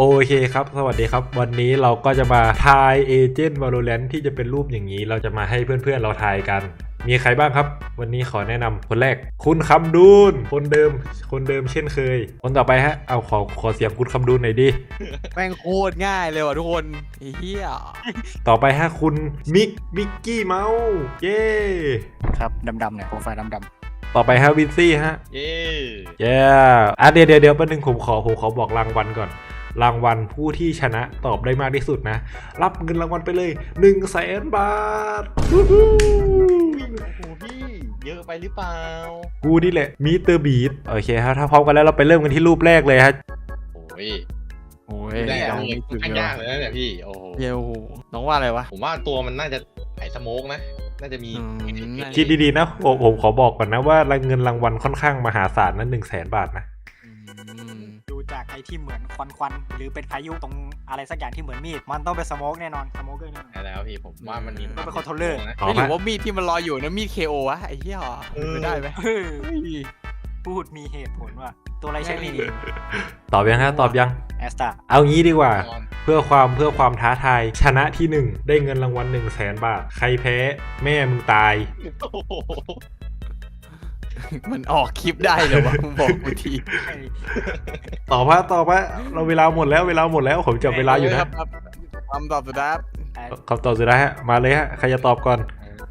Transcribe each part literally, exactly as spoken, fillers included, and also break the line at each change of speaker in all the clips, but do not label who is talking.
โอเคครับสวัสดีครับวันนี้เราก็จะมาทายเอเจนต์ Valorant ที่จะเป็นรูปอย่างนี้เราจะมาให้เพื่อนๆเราทายกันมีใครบ้างครับวันนี้ขอแนะนำคนแรกคุณคำดูนคนเดิมคนเดิมเช่นเคยคนต่อไปฮะเอาขอขอเสียงคุณคำดูนหน่อยดิ
แม่งโคตรง่ายเลยว่ะทุกคนไอ้เหี้ย
ต่อไปฮะคุณมิกมิกกี้เมาส์เย้
ครับดำๆเนี่ยโปรไฟล์ดำ
ต่อไปฮะวินซี่ฮะ
เย้
เย้อ่ะเดี๋ยวเดี๋ยวเดี๋ยวแป๊บนึงผมขอผมขอบอกรางวัลก่อนรางวัลผู้ที่ชนะตอบได้มากที่สุดนะรับเงินรางวัลไปเลยหนึ่งแสนบาท
โอ้โหพี่เยอะไปหรือเปล่า
กูนี่แหละมีเตอร์บีทโอเคครับถ้าพร้อมกันแล้วเราไปเริ่มกันที่รูปแรกเลยฮะ
โอ้ย
โอ้ย
ได้
ยัง
ไม่ถึงยากเลยนะเนี่ยพี่โอ้โห
เยวน้องว่าอะไรวะ
ผมว่าตัวมันน่าจะไอสโมกนะน่าจะมี
คิดดีๆนะผมผมขอบอกก่อนนะว่าเงินรางวัลค่อนข้างมหาศาลนั้นหนึ่งแสนบาทนะ
ดูจากไอ้ที่เหมือนควันควันหรือเป็นพายุตรงอะไรสักอย่างที่เหมือนมีดมันต้องเป็นสโมกแน่นอนสโมกเกอร์แน่นอน
ใช่แล้วพี่ผมว่ามันมี
ต้องเป็นคอนโทรลเลอร์
ไม่รู้ว่ามีดที่มันลอยอยู่นะมีด เค โอ วะไอ้เหี้ยไม่ได้ไหม
พูดมีเหตุผลว่าตัวอะไรใช่มี
ตอบยังฮะตอบยัง
แอสตา
เอางี้ดีกว่าเพื่อความเพื่อความท้าทายชนะที่หนึ่งได้เงินรางวัลหนึ่งแสนบาทใครแพ้แม่มึงตาย
มันออกคลิปได้เลยวะมึงบอกกูที
ตอบว่าตอบว่าเราเวลาหมดแล้วเวลาหมดแล้วผมจับเวลาอยู่นะ
คำตอบสุดท้าย
คำตอบสุดท้ายฮะมาเลยฮะใครจะตอบก่อน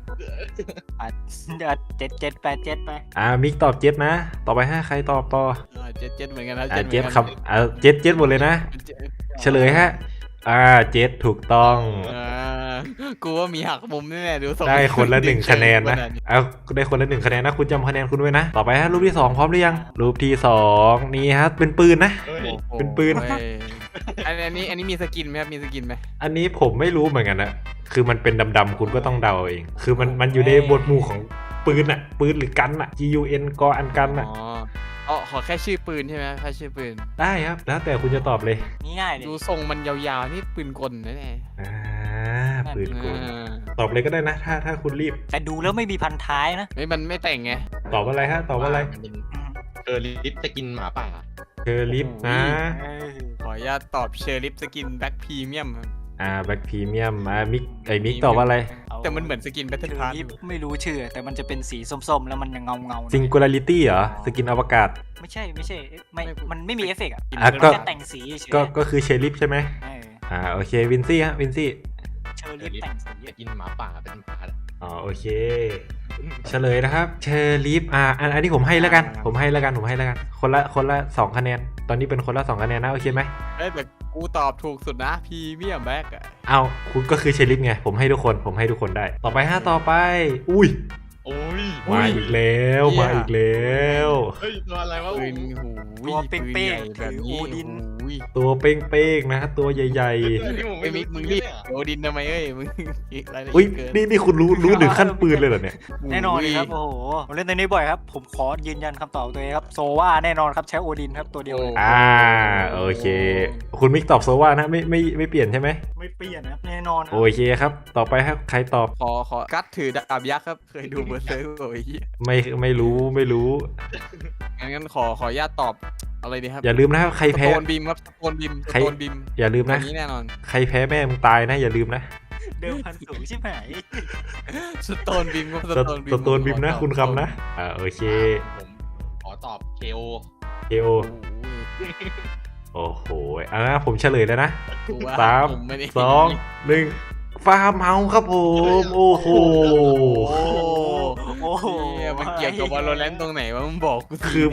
เจ็ดเจ็ดแปดเจ็ดไป
อ่ามิกตอบเจ็ดนะต่อไปห้าใครตอบต่อ
เจ็ดเจ็ดเหมือนกันนะ
เจ็ดครับอ่าเจ็ดเจ็ดหมดเลยนะเฉลยฮะอ่าเจ็ดถูกต้อง
กูว่ามีหักมุมแน่ๆดู
ได้คนละหนึ่งคะแนนนะเอาได้คนละหนึ่งคะแนนนะคุณจำคะแนนคุณไว้นะต่อไปฮะรูปที่สองพร้อมหรือยังรูปที่สองนี่ฮะเป็นปืนนะเป็นปืน
อันนี้อันนี้มีสกินไหมครับมีสกินไหม
อันนี้ผมไม่รู้เหมือนกันนะคือมันเป็นดำๆคุณก็ต้องเดาเองคือมันมันอยู่ในบทหมู่ของปืนอะปืนหรือกันอะ G U N กออันกันอะ
อ๋อขอแค่ชื่อปืนใช่ไหมแค่ชื่อปืน
ได้ครับแล้วแต่คุณจะตอบเลย
ง่ายเลย
ดูทรงมันยาวๆนี่ปืนกลนะเนี่ย
อ่าปืนกลตอบเลยก็ได้นะถ้าถ้าคุณรีบ
แต่ดูแล้วไม่มีพันท้ายนะ
ไม่มันไม่แต่งไง
ตอบอะไรฮะตอบอะไร
เออลิฟจะกินหมาป่า
เชอร์ลิฟนะ
ขออนุญาตตอบเชอร์ลิฟสกินแบ็คพรีเมียม
อ่าแบ็คพรีเมียมอ่ามิกไอ้มิกตอบว่าอะไร
แต่มันเหมือนสกินแบทเทิลพาร์ท
ไม่รู้ชื่อแต่มันจะเป็นสีส้มๆแล้วมันยังเงาเงา
ซิงคูลาริตี้เหรอสกินอวกาศ
ไม่ใช่ไม่ใช่ไม่มันไม่มีเอฟเฟกต์อ่ะ
ก็
แต่งสีเฉย
ก็ก็คือเชอร์ลิฟใช่ไหมอ่าโอเควินซี่ฮะวินซี่
เชอร์ลิฟแต่งสี
จะกินหมาป่าเป็นหมา
อ๋อโอเคเฉลยนะครับเชอร์ลิฟอ่าอันอันนี้ผมให้แล้วกันผมให้แล้วกันผมให้แล้วกันคนละคนละสองคะแนนตอนนี้เป็นคนละสองคะแนนนะโอเคไหม
แต่กูตอบถูกสุดนะพรีเมียมแบ็กอะ
เอาคุณก็คือเชอร์ลิฟไงผมให้ทุกคนผมให้ทุกคนได้ต่อไปห้าต่อไปอุ้ย
โอ้ย
มาอีกแล้วมาอีกแล้ว
เฮ้ยตัวอะไรวะ
ตัวเป้งๆถือโอดิน
ตัวเป้งๆนะตัวใหญ่
ๆไอ้มิกมึงรีบโอดินทำไมเอ้ยมึง
อุ้ยนี่นี่คุณรู้รู้ถึงขั้นปืนเลยเหรอเนี่ย
แน่นอนครับโอ้โหผมเล่นตัวนี้บ่อยครับผมขอยืนยันคำตอบตัวเองครับโซว่าแน่นอนครับใช้โอดินครับตัวเดียว
อ่าโอเคคุณมิกตอบโซว่านะไม่ไม่ไม่เปลี่ยนใช่ไหม
ไม่เปลี่ยนครับแน่นอน
โอเคครับต่อไปครับใครตอบ
ขอขอกัดถือดาบยักษ์ครับเคยดูเบอร์เซอร์โอ้ย
ไม่ไม่รู้ไม่รู้
งั้นขอขออนุญาตตอบอะไรดีครับ
อย่าลืมนะครับใครแพ้
สโตนบิมครับสโตนบิมสโตนบิม
อย่าลืมนะ
นี้แน่นอน
ใครแพ้แม่มึงตายนะอย่าลืมนะ
เดิมพันสูงใช่ไหม
สโตนบิมครับ
สโตนบิมสโตนบิมนะคุณคำนะอ่าโอเค
ผมขอตอบเคโอ
เคโอโอ้โหอ่ะผมเฉลยแล้วนะสามสองหนึ่งฟาร์มเฮาส์ครับผมโอ้โห
โอ้โห
มันเกี่ยวกับวอลเลนตรงไหนวะมึงบอกกู
คือ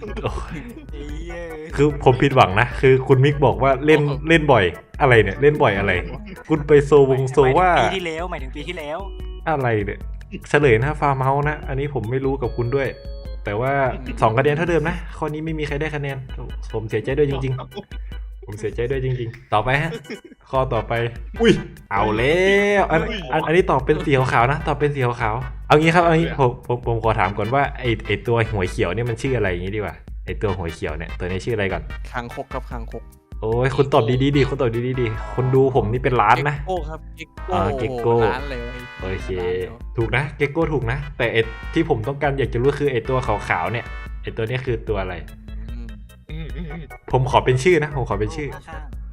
คือผมผิดหวังนะคือคุณมิกบอกว่าเล่นเล่นบ่อยอะไรเนี่ยเล่นบ่อยอะไรคุณไปโซวงโซว่า
ปีที่แล้วหมายถึงปีที่แล้ว
อะไรเนี่ยเฉลยนะฟาร์มเฮาส์นะอันนี้ผมไม่รู้กับคุณด้วยแต่ว่าสองคะแนนเท่าเดิมนะข้อนี้ไม่มีใครได้คะแนนผมเสียใจด้วยจริงๆผมเสียใจด้วยจริงๆต่อไปฮะข้อต่อไปอุ้ยเอาแล้วอันอันนี้ตอบเป็นสีขาวๆนะตอบเป็นสีขาวๆเอางี้ครับเอางี้ผมผมผมขอถามก่อนว่าไอไอตัวหัวเขียวเนี่ยมันชื่ออะไรอย่างงี้ดีกว่าไอตัวหัวเขียวเนี่ยตัวนี้ชื่ออะไรก่อน
คางคกครับคางคก
โอ้ยคุณตอบดีๆดีคุณตอบดีๆดีคนดูผมนี่เป็นล้านนะ
เก็กโก้ครับเก็กโก้
เก็กโก้
ล้านเลย
โอเคถูกนะเก็กโก้ถูกนะแต่ไอที่ผมต้องการอยากจะรู้คือไอตัวขาวๆเนี่ยไอตัวนี้คือตัวอะไรผมขอเป็นชื่อนะผมขอเป็นชื่อ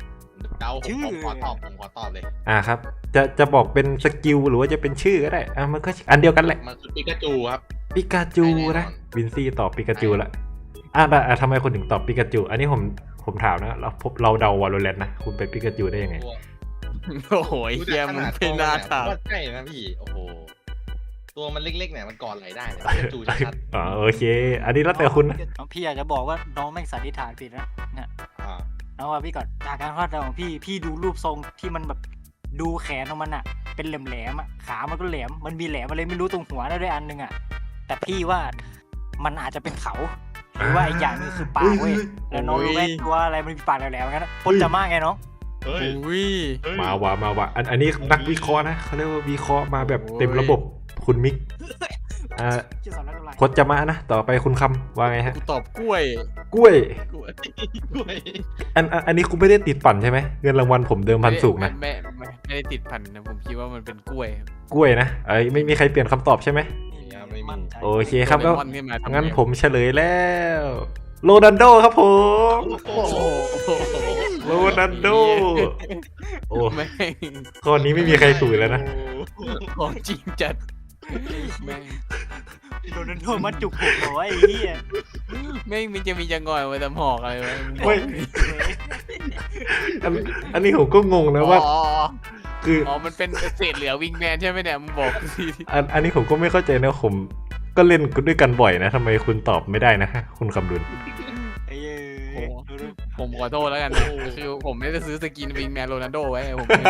เดาผมผมขอตอบผมขอตอบเลย
อ่าครับ จะจะบอกเป็นสกิลหรือว่าจะเป็นชื่อก็ได้อ่ะมันก็อันเดียวกันแหละ
มันคือปิกาจูครับ
ปิกาจูนะวินซี่ตอบปิกาจูละอ่ะแต่อ่ะทำไมคนถึงตอบปิกาจูอันนี้ผมผมถามนะเราพบเราเดาวอลเลนนะคุณไปปิกาจูได้ยังไง
โอ้โหเฮียมึงเป็นหน้าถาม
ว่าใช่นะพี่โอ้โหตัวมันเล็กๆเนี่ยมันกอดไหลได้เนี่ยปิกาจูชัด
อ๋อโอเค อันนี้แล้วแต่คุณนะ
น้องพี่อยากจะบอกว่าน้องแม่งสันนิษฐานผิดนะเนี่ย
ๆอ่า
น้องว่าพี่ก่อนจากการคาดเดาของพี่พี่ดูรูปทรงที่มันแบบดูแขนของมันอะเป็นแหลมๆอะขามันก็แหลมมันมีแหลมอะไรไม่รู้ตรงหัวนั่นด้วยอันนึงอะแต่พี่ว่ามันอาจจะเป็นเขาหรือว่าอีกอย่างหนึงคือปากเว้ยแล้วน้องรู้ไหมตัวอะไรมันมีปากแหลมๆงั้นพจน์จะมากไงน้อง
เฮ้ย
อุ้ย
เฮ้ย
มาว่ะมาว่ะอันอันนี้นักวิเคราะห์นะเขาเรียกว่าวิเคราะห์มาแบบเต็มระบบคุณมิกอ่า
ชื่อสอนรักอะไร
พจน์จะมานะต่อไปคุณคำว่าไงฮะ
กูตอบกล้วย
กล้วย
กล้วยกล้วย
อันอันอันนี้คุณไม่ได้ติดปั่นใช่ไหมเงินรางวัลผมเดิมพันสูงนะ
ไม่ไม่ไม่ไม่ได้ติดพันนะผมคิดว่ามันเป็นกล้วย
กล้วยนะเอ้ยไม่มีใครเปลี่ยนคำตอบใช่ไหม
มั่นใจ
โอเคครับก็
โดเรมอนขึ้นมาทำไ
งั้นผมเฉลยแล้วโรนัลโดครับผม
โอ้โห
โรนัลโดโอ้
แม่ง
ข้อนี้ไม่มีใครถูกแล้วนะ
ของจริงจัดแม่ง
โดนโดนมันจุกหัวไอ้เหี้ย
แม่งมันจะมีจะงอยไว้แต่หอกอะไรวะ
ไม่ อันอันนี้ผมก็งงนะว่า
อ๋อ
คือ
อ๋อมันเป็นเศษเหลือวิงแมนใช่ไหมเนี่ยมึงบอกกูสิ
อันอันนี้ผมก็ไม่เข้าใจนะผมก็เล่นด้วยกันบ่อยนะทำไมคุณตอบไม่ได้นะคุณคำดุล
ไอ้เหี้ยดูดู
ผมขอโทษแล้วกันนะคือผมไม่ได้ซื้อสกินวิงแมนโรนัลโดไว้ผมไม่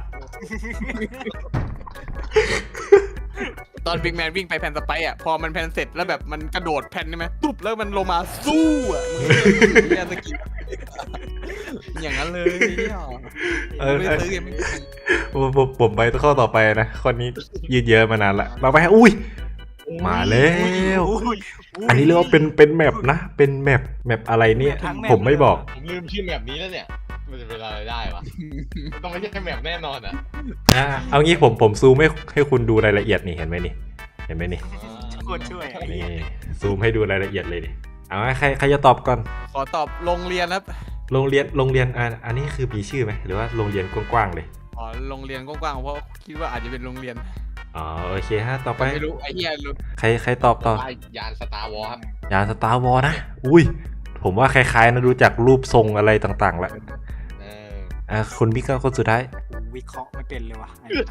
ตอนวิงแมนวิ่งไปแผ่นสไปร์อ่ะพอมันแผ่นเสร็จแล้วแบบมันกระโดดแผ่นนี่ไหมตุ๊บแล้วมันลงมาสู้อ่ะมึงเนี่ยสกินอย่างนั้นเลยเนี่ย
เออ
ไม่ได้ซื้อไงไม่
ผมผมผมไปข้อต่อไปนะข้อนี้ยืดเยอะมานานละเราไปฮะอุ้ยมาแล้ว
อุ้ยย
อันนี้เรียกว่าเป็นเป็นแมปนะ เป็นแมปแมปอะไรเนี่ย
ทั้งแมป
ผมไม่บอก
ผมลืมชื่อแมปนี้แล้วเนี่ยมันจะเป็นอะไรได้วะมันต้องไม่ใช่แมปแน่นอนอ่ะ
อ่ะเอางี้ผมผมซูมให้ให้คุณดูรายละเอียดนี่เห็นไหมนี่เห็นไหมนี่
โคตรช่วยไอ้
นี่
เหี้ย
ซูมให้ดูรายละเอียดเลยดิเอาให้ใครใครจะตอบก่อน
ขอตอบโรงเรียนครับ
โรงเรียนโรงเรียนอ่ะอันนี้คือมีชื่อไหมหรือว่าโรงเรียนกว้างๆเลย
อ๋อโรงเรียนกว้างๆเพราะคิดว่าอาจจะเป็นโรงเรียน
อ๋อโอเคฮะต่อไป
ไม่รู้ไอ้เหี้ยรู้
ใครใครตอบต่อ
ว่ายานสตาร์วอลครับ
ยานสตาร์วอลนะอุ้ยผมว่าคล้ายๆนะดูจากรูปทรงอะไรต่างๆแล้ว
เออ
อ่ะคุณบิ๊กก็คนสุดท้าย
วิเคราะห์ไม่เป็นเลยว่ะ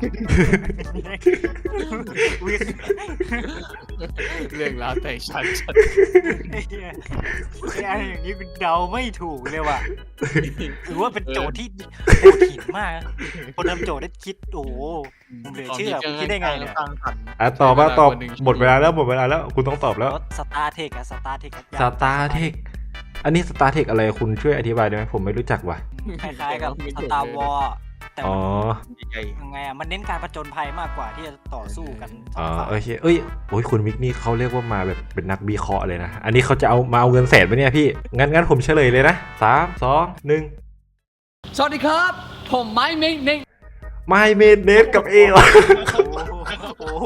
วิเค
เรื่องราวแต่ชัดชัด
ไอ้เหี้ยไอ้อันอย่างนี้กูเดาไม่ถูกเลยว่ะถือว่าเป็นโจทย์ที่โหดหินมากนะคนทำโจทย์ได้คิดโอ้โห ผมเหลือเชื่อผมคิดได้ไงเนี่ย
ตั้งทัน
อ่ะตอบมาตอบหมดเวลาแล้วหมดเวลาแล้วคุณต้องตอบแล้ว
รถสตาร์เทคอะสตาร์เทค
สตาร์เทคอันนี้สตาร์เทคอะไรคุณช่วยอธิบายได้ไหมผมไม่รู้จักว่ะ
คล้ายๆกับสตาร์วอลแต่
อ๋อ
มันยังไงอะมันเน้นการผจญภัยมากกว่าที่จะต่อสู้กันส
อ๋
อ
อง
ฝ่าย
โอเคเอ้ยโอ้ยคุณมิกนี่เขาเรียกว่ามาแบบเป็นนักวิเคราะห์เลยนะ อันนี้เขาจะเอามาเอาเงินแสนไปเนี่ยพี่ งั้นงั้นผมเฉลยเลยนะสามสองหนึ่ง
สวัสดีครับ ผมไม้เม้งเน่ง
ไม่เมดเนสกับเอวะ
โอ้โห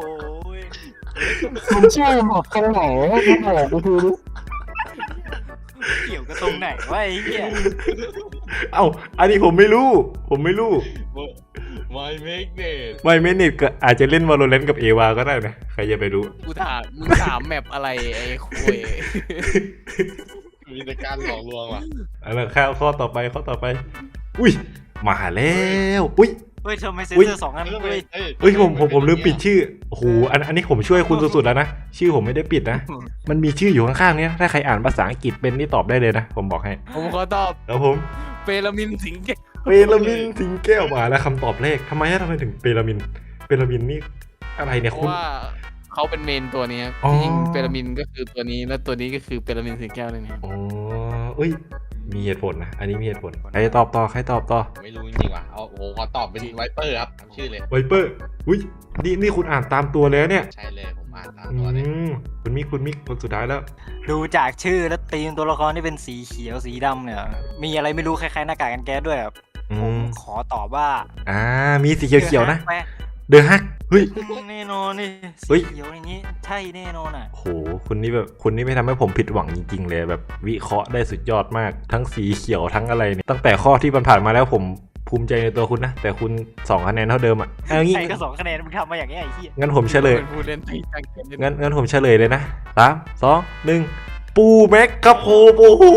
มันชื่อหมดตรงไหนมันบอกกูทีดิ
เกี่ยวกับตรงไหนวะไอ้เหี้ย
เอ้าอันนี้ผมไม่รู้ ผมไม่รู้
My Magnet
ไม่เมดเนสก็อาจจะเล่นวอลเลนกับเอวาก็ได้นะใครจะไปรู้
กูถามมึงถามแมปอะไรไอ้คุย
มีแต่การหลอกลวงว่ะ
อันนั้นข้อข้อต่อไปข้อต่อไป อุ้ยมาแล้วอุ้ย
เฮ้ยทำไมเซน
อุ๊ย
เซอร์สองอัน
เอ้
เฮ้ย
ยเอ้ย
เฮ้ยผมผมผมลืมปิดชื่อโอ้โหอันอันนี้ผมช่วยคุณสุดๆแล้วนะชื่อผมไม่ได้ปิดนะ มันมีชื่ออยู่ข้างๆเนี้ยถ้าใครอ่านภาษาอังกฤษเป็นนี่ตอบได้เลยนะ ผมบอกให้
ผมขอตอบ
แล้วผม
เปรามินสิงห์แก้ว
เปรมินสิงแก้วมาแล้วคำตอบแรกทำไมฮะทำไมถึงเปรมินเปรมินนี่อะไรเนี่ย
เพ
คุณ
ราะว่าเขาเป็นเมนตัวนี้ครับ
อ๋อ
จริงๆเปรามินก็คือตัวนี้แล้วตัวนี้ก็คือเปรามินสิงห์แก้วเลยนะ
อ๋อเอ้ยมีเหตุผลนะอันนี้มีเหตุผลใครตอบต่อใครตอบต่อ
ไม่รู้จริงๆว่ะเอาโอ้โหขอตอบเป็นไวเปอร์ครับทำชื่อเลย
ไวเปอร์อุ้ยนี่นี่คุณอ่านตามตัวเลยนะเนี่ย
ใช่เลยผมอ่านตาม
อื
ตัวเลย
มคุณมิกคุณมิกคนสุดท้ายแล้ว
ดูจากชื่อแล้วตีมตัวละครที่เป็นสีเขียวสีดำเนี่ย มีอะไรไม่รู้คล้ายๆหน้ากากกันแก๊สด้วยอะ
อื
ผม
ม
ขอตอบว่า
อ่ามีสีเขียวๆนะ
แปล
เดอะฮักเฮ้ย
แน่นอนนี่
เฮ้
สี
ย
เขียวอย่างนี้ใช่แน่นอนอ่ะ
โหคุณนี่แบบคุณนี่ไม่ทำให้ผมผิดหวังจริงๆเลยแบบวิเคราะห์ได้สุดยอดมากทั้งสีเขียวทั้งอะไรเนี่ยตั้งแต่ข้อที่ผ่านๆมาแล้วผมภูมิใจในตัวคุณนะแต่คุณสองคะแนนเท่าเดิมอ่ะเอางี้
ใครก็สองคะแนนมึงทำมาอย่างนี้ยไอ้เหี้ย
งั้นผมเฉลย
เป็นผู้เล่นที่ตั้งใจเล่น
งั้นงั้นผมเฉลยเลยนะสามสองหนึ่งปูแม็กครับผมโอ้โห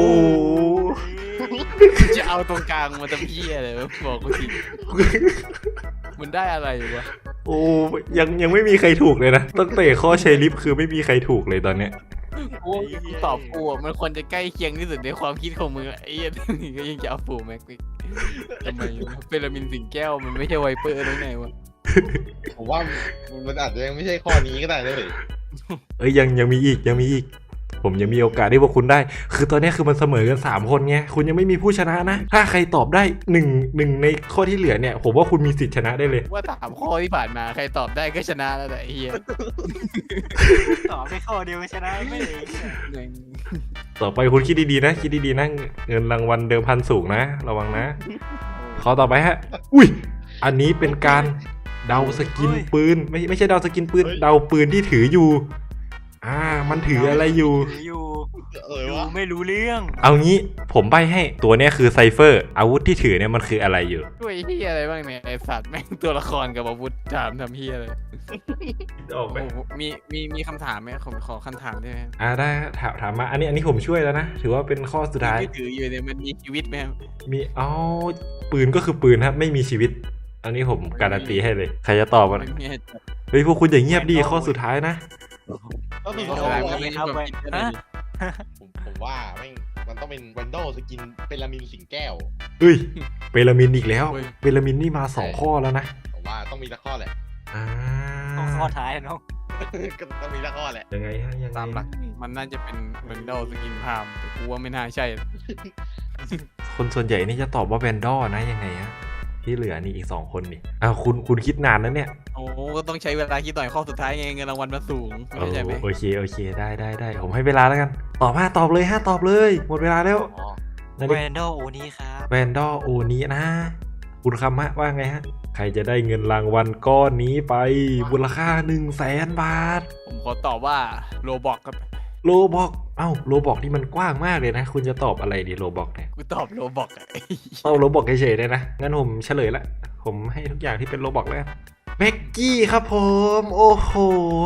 จะเอาตรงกลางมาทำเพี้ยอะไรวะบอกกูทีมันได้อะไรวะ
โอ้ยังยังไม่มีใครถูกเลยนะตั้งแต่ข้อเชลิฟคือไม่มีใครถูกเลยตอนเนี้ย
กูกูตอบกูอะมันควรจะใกล้เคียงที่สุดในความคิดของมึงอะไอ้เหี้ยนี่ก็ยังจะเอาฟูแม็กซ์อีกทำไมวะเปรามินสิงแก้วมันไม่ใช่ไวเปอร์ได้ไงวะ
ผมว่ามันอาจจะยังไม่ใช่ข้อนี้ก็ได้เลย
เอ้ยยังยังมีอีกยังมีอีก ผมยังมีโอกาสที่พวกคุณได้ คือตอนนี้คือมันเสมอกันสามคนไงคุณยังไม่มีผู้ชนะนะ ถ้าใครตอบได้หนึ่งหนึ่งในข้อที่เหลือเนี่ย ผมว่าคุณมีสิทธิ์ชนะได้เลย
ว่าถามข้อที่ผ่านมาใครตอบได้ก็ชนะแล้วแต่ไอ้เฮีย
ตอบไปข้อเดียวชนะไม่เลย
หนึ่ง
ต่อไปคุณคิดดีๆนะคิดดีๆนะเงินรางวัลเดิมพันสูงนะระวังนะขอต่อไปฮะ อุ้ยอันนี้เป็นการเดาสกินปืนไม่ไม่ใช่เดาสกินปืนเดาปืนที่ถืออยู่ อ่า มันถืออะไรอยู่
ถืออยู่
เออ
ดู
วะ
ไม่รู้เรื่อง
เอางี้ผมใบให้ตัวเนี้ยคือไซเฟอร์อาวุธที่ถือเนี่ยมันคืออะไรอยู่
ด้วยเฮียอะไรบ้างเนี่ยไอสัตว์แม่งตัวละครกับอาวุธถามทำเฮียอะไร
ออกไหม
โอ้โหมีมีมีคำถามไหมผมขอคำถามได้ไหม
อ่าได้ถามถามมาอันนี้อันนี้ผมช่วยแล้วนะ ถือว่าเป็นข้อสุดท้าย
ที่ถืออยู่เนี่ยมันมีชีวิตไหมครับ
มีอ๋อปืนก็คือปืนครับไม่มีชีวิต อันนี้ผมการันตีให้เลย ใครจะตอบมัน
ไม่มีให้จับ
เฮ้ยพวกคุณอย่าเงียบดีข้อสุดท้ายนะ
ก็คือ
ไม่
เขา
เป็นไร
ว่า
ไม่เป็นไรคิดอะไรดี
ผมผมว่าแม่งมันต้องเป็นวันโดสกินเป็นลามินสิงแก้ว
เฮ้ยเปรามินอีกแล้วเปรามินนี่มาสองข้อแล้วนะ
ผมว่าต้องมีสักข้อแหละ
อ่า
ต้องข้อท้ายน้อง
ก็ต้องมีสักข้อแหละ
ยังไงฮะยังไง
ตามหลักมันน่าจะเป็นเวนดอลสกินพามแต่กูว่าไม่น่าใช่
คนส่วนใหญ่นี่จะตอบว่าแวนดอร์นะยังไงฮะที่เหลือนี่อีกสองคนนี่อ้าวคุณคุณคิดนานแล้วเนี่ย
โอ้ก็ต้องใช้เวลาคิดหน่อยข้อสุดท้ายไงเงินรางวัลมันสูง
โอ้
ไม่ใช่ไหม
โอเคโอเคได้ได้ได้ผมให้เวลาแล้วกัน ตอบมาตอบเลยฮะตอบเลย หมดเวลาแล้ว
อ๋อ
นา
แว
ฬิ
นดอลโอนี้ครับ
แวนดอร์โอนี้นะ คุณคำฮะว่าไงฮะ ใครจะได้เงินรางวัลก้อนนี้ไปมูลค่า1นึ่งแสนบาท
ผมขอตอบว่าโรบอกครับ
โลบอกเอ้าโลบอกนี่มันกว้างมากเลยนะ คุณจะตอบอะไรดีโลบอกเนี่ย
กูตอบโรบอกอะ
เอาโลบอกเฉยๆเลยนะ งั้นผมเฉลยละ ผมให้ทุกอย่างที่เป็นโลบอกแล้วกันแม็กกี้ครับผม โอ้โห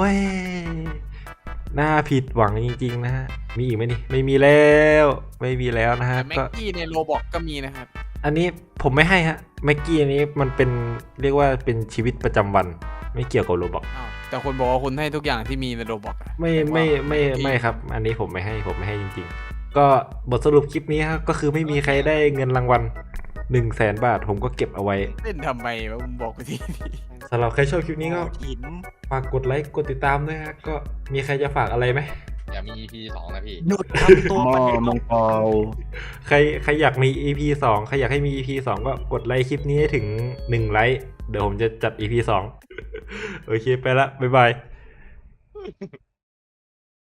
น่าผิดหวังจริงๆนะฮะ มีอีกไหมนี่ ไม่มีแล้ว ไม่มีแล้วนะฮะ
แต่แม็ก
ก็
กี้ในโรบอกก็มีนะครับ
อันนี้ผมไม่ให้ฮะแม็กกี้อันนี้มันเป็นเรียกว่าเป็นชีวิตประจำวัน ไม่เกี่ยวกับโรบอก
อ้าวแต่คนบอกว่าคุณให้ทุกอย่างที่มีในโรบอกอะ
ไม่ไม่ไม่ไม่ครับ อันนี้ผมไม่ให้ผมไม่ให้จริงๆ ก็บทสรุปคลิปนี้ครับก็คือไม่มีใครได้เงินรางวัล1นึ่งแสนบาท ผมก็เก็บเอาไว้
เล่นทำไมวะมึงบอกกูที
สำหรับใครชอบคลิปนี้ก็
หิน
ฝากกดไลค์กดติดตามด้วยฮะก็มีใครจะฝากอะไรไหม
อย่ามี อี พี สองนะพี่
หยุดทำตัว
หม้
ป
อ
ระเด็น
มังกร
ใครใครอยากมี อี พี สองใครอยากให้มี อี พี สองก็กดไลค์คลิปนี้ให้ถึงหนึ่งไลค์เดี๋ยวผมจะจัด อี พี สอง โอเคไปละบ๊ายบาย